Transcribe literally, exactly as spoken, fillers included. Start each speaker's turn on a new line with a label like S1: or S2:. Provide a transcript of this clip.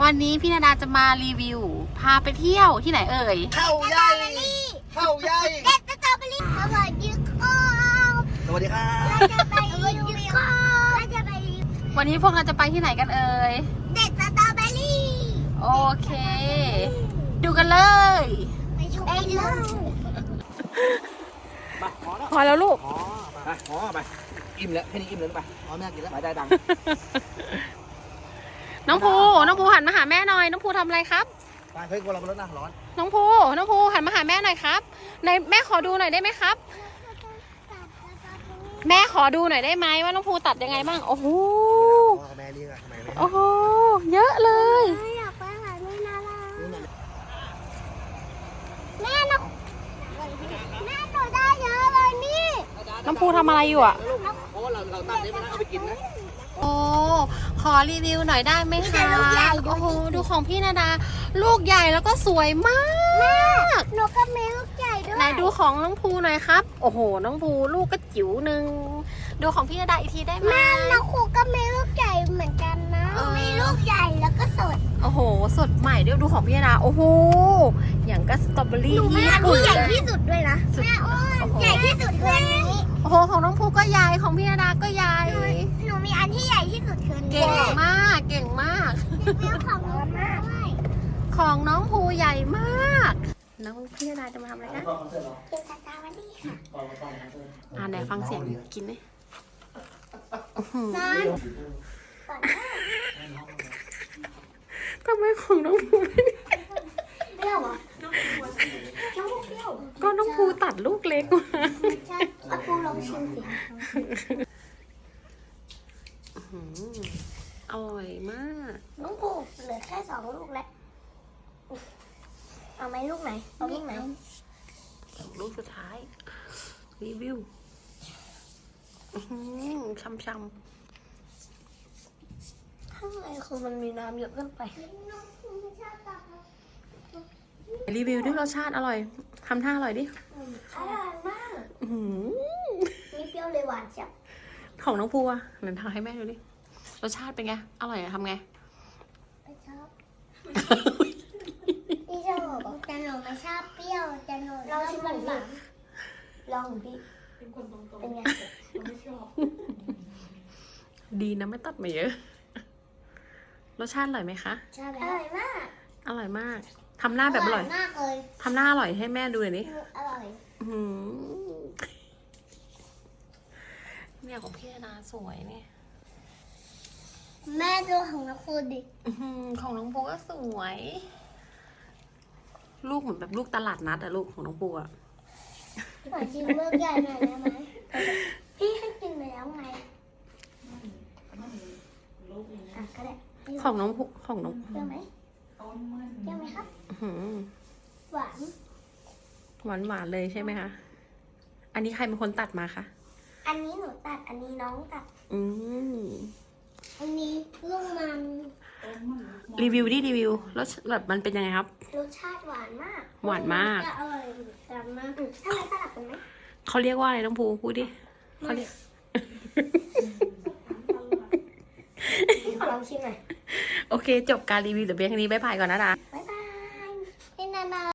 S1: วันนี้พี่นาดาจะมารีวิวพาไปเที่ยวที่ไหนเอ่ย
S2: เข้าใหญ่เข้าใหญ่
S3: เด็ดสตรอเบอรี่สวัสดีครับ
S2: สวัสดีครับ
S3: เราจะไปรีวิวเราจะไปรีวิว
S1: วันนี้พวกเราจะไปที่ไหนกันเอ่ย
S3: เด็ดสตรอเบอรี่
S1: โอเคดูกันเลย
S3: ไปชมกันเลย
S2: มาพอแล้ว
S1: พอแล้วลูก
S2: พอไปพอไปอิ่มแล้วแค่นี้อิ่มแล้วไปพอแม่กินแล้วไปได้ดัง
S1: น้องภูน้องภูหันมาหาแม่หน่อยน้องภูทำอะไรครับ
S2: ไปเฮ้ยกลัวเราเป็นรถนะร้อน
S1: น้องภูน้องภูหันมาหาแม่หน่อยครับในแม่ขอดูหน่อยได้ไหมครับแม่ขอดูหน่อยได้ไหมว่าน้องภูตัดยังไงบ้างโอ้โห
S2: แม่เรียกทำไม
S1: โอ้โหเยอะเลย
S3: อยากไปหาแม่นาราแม่หนูแม่หนูได้เยอะเลยนี่
S1: น้องภูทำอะไรอยู่อ่ะ
S2: เพราะว่าเราเราตัดได้ไม่ได้เอาไปกินนะ
S1: โอ้ขอรีวิวหน่อยได้ไหมคะโอ้โหดูของพี่นาดาลูกใหญ่แล้วก็สวยมาก
S3: หนูก็มีลูกใหญ่ด้วย
S1: ไหนดูของน้องภูหน่อยครับโอ้โหน้องภูลูกก็จิ๋วหนึ่งดูของพี่นาดาอีกทีได้ไหม
S3: แม่น้องครูก็มีลูกใหญ่เหมือนกันนะมีลูกใหญ่แล้วก็สด
S1: โอ้โหสดใหม่เดี๋ยวดูของพี่นาดาโอ้โหอย่างก็สตรอเบอรี่
S3: หนูมีอันที่ใหญ่ที่สุดด้วยนะแม่อ้วนใหญ่ที่สุดคืออันนี้
S1: โอ้โหของน้องภูก็ใหญ่ของพี่นาดาก็ใหญ่
S3: หนูมีอันที่ใหญ่ที่สุดคืออันนี้
S1: เก่งมากเก่งมาก
S3: เรื่องของน้องมาก
S1: ของน้องภูใหญ่มากน้องพี่นาดาจะมาทำอะไรคะ
S3: กินสตรอเบอรี่ค่ะ
S1: อ่าไหนฟังเสียงกินไหมทำไมของน้องภูไม่
S3: เปรี้ยวอ่ะน้องภูเปรี้ยว
S1: ก็น้องภูตัดลูกเล็กมา
S3: ใช่เอาปูลองชิมสิ
S1: อร่อยมาก
S3: น้องภูเหลือแค่สองลูกแล้วเอาไหมลูกไหนเอาลูกไหน
S1: ลูกสุดท้ายรีวิวช้ำๆ
S3: ข้างในคือมันมีน้ำเยอะเกินไป
S1: รีวิวด้วยรสชาติอร่อยทำท่าอร่อยดิ
S3: อร่อยมากนี่เปรี้ยวเลยหวานจับ
S1: ของน้องภูอ่ะหนูทำให้แม่ดูดิรสชาติเป็นไงอร่อยอะทำไง
S3: ไม่ชอบพี่ชอบแต่หนูไม่ชอบเปรี้ยวแต่หนูลองชิมมันหวานลองพี่เป็นคนตรงๆเป็นไงไม่ชอบ
S1: ดีนะไม่ตัดมาเยอะรสชาติอร่อยไหมคะ
S3: อร่อยมาก
S1: อร่อยมากทำหน้าแบบอร่อย
S3: มากเลย
S1: ทำหน้าอร่อยให้แม่ดูหน่อยดิ
S3: อร่อย
S1: เนี่ยของพี่นาสวยเนี่ย
S3: แม่ดูของน้องภูดิ
S1: ของน้องภูก็สวยลูกเหมือนแบบลูกตลาดนัดอะลูกของน้องภูอะ
S3: ขอชิมลูกใหญ่หน่อยได้ไหมพี่ให้กินไปแล้วไงอ่ะก็ได้
S1: ของน้องภูของน้อง
S3: เปรี้ยวไหมเปรี้ยวไหมครับหวาน
S1: หวานหวานเลยใช่ไหมคะอันนี้ใครเป็นคนตัดมาคะ
S3: อันนี้หนูตัดอันนี้น้องตัด
S1: อืม
S3: อันนี้ลูกมัน
S1: รีวิวดิรีวิวแล้วแบบมันเป็นยังไงครับ
S3: รสชาติหวานมาก
S1: หวานมาก
S3: อร่อยจังมากทำไมสลับกันไหม
S1: เขาเรียกว่าอะไรน้องภูพูดดิเขาเรียก
S3: ขอลองชิมหน่อย
S1: โอเคจบการรีวิวแต่เพียงแค่นี้บ๊ายบายก่อนนะดา